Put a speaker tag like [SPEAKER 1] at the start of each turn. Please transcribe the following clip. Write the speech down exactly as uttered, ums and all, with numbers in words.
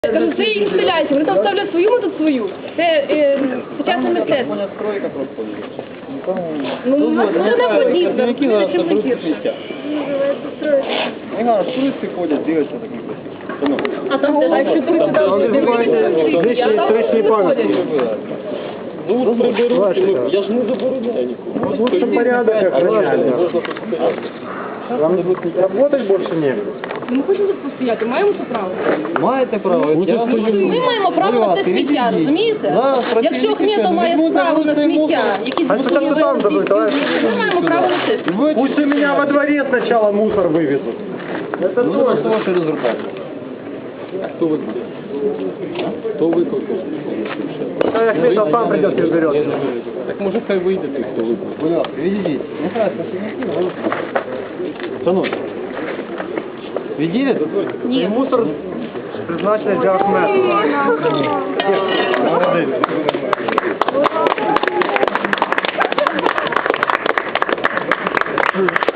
[SPEAKER 1] Кажу, це їх стріляйте, вони там ставлять свою, ми тут свою. Це е, сучасне мистецтво. Ну, у нас може не подібне, розумієте, чим не гірше.
[SPEAKER 2] Не надо, туристы ходят, дивятся так некрасиво.
[SPEAKER 1] А там де, якщо туристи там
[SPEAKER 3] Лишні історичні пам'ятки.
[SPEAKER 2] Ну, приберуть, я ж не забороняю нікого.
[SPEAKER 3] Лучше порядок охраняли. Вам работать больше негде.
[SPEAKER 1] Ми хочемо тут постояти, маємо це право.
[SPEAKER 2] Маєте право, я вам хочу...
[SPEAKER 1] Ми маємо право на це сміття, розумієте? Якщо Хмєтов має право на сміття, якісь
[SPEAKER 3] А спочатку там забудь, товарищ.
[SPEAKER 1] ми маємо право на це.
[SPEAKER 3] Пусть у меня во дворе сначала мусор вывезут. Это
[SPEAKER 2] Ну,
[SPEAKER 3] тоже.
[SPEAKER 2] это ваши результаты. Кто вы будете? Кто вы какой?
[SPEAKER 3] А Ахметов сам придет и уберет.
[SPEAKER 2] Так может хай выйдет и кто вы будете? Будь ласка, відійдіть. Не красно, що не Шановні. Відійдете?
[SPEAKER 3] Ні. Мусор призначений для Ахметова. Молодець.